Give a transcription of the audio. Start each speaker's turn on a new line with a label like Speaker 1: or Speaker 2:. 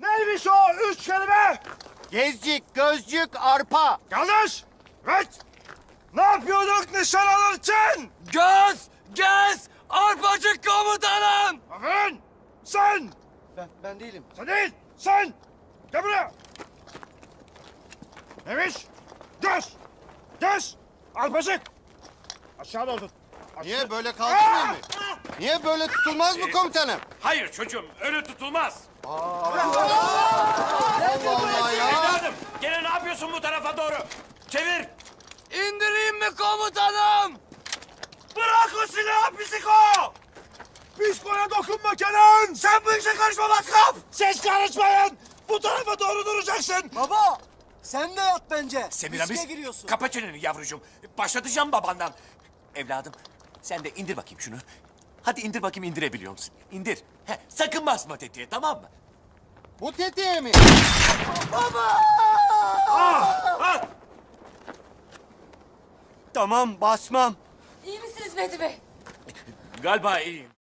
Speaker 1: Neymiş o üç kelime?
Speaker 2: Gezcik, gözcük, arpa.
Speaker 1: Yanlış. Evet. Ne yapıyorduk nişan alırken?
Speaker 3: Göz, arpacık komutanım.
Speaker 1: Aferin. Sen.
Speaker 2: Ben değilim.
Speaker 1: Sen değil. Sen. Gel buraya. Neymiş? Göz. Göz. Arpacık. Aşağıda otur.
Speaker 2: Niye böyle kaldırmıyor mu? Niye böyle tutulmaz mı komutanım?
Speaker 3: Hayır çocuğum, öyle tutulmaz.
Speaker 2: Allah Allah ya.
Speaker 3: Evladım, gene ne yapıyorsun bu tarafa doğru? Çevir. İndireyim mi komutanım?
Speaker 1: Bırak o silahı psiko! Psikoya dokunma Kenan! Sen bu işe karışma matkap! Siz karışmayın! Bu tarafa doğru duracaksın!
Speaker 4: Baba, sen de yat bence.
Speaker 3: Semiramis,
Speaker 4: Riske giriyorsun.
Speaker 3: kapa çeneni yavrucuğum. Başlatacağım babandan. Evladım, sen de indir bakayım şunu. Hadi indir bakayım, indirebiliyor musun? İndir. Sakın basma tetiğe, tamam mı?
Speaker 2: Bu tetiğe mi?
Speaker 3: Ah!
Speaker 2: Tamam basmam.
Speaker 5: İyi misiniz Mehdi Bey?
Speaker 3: Galiba iyiyim.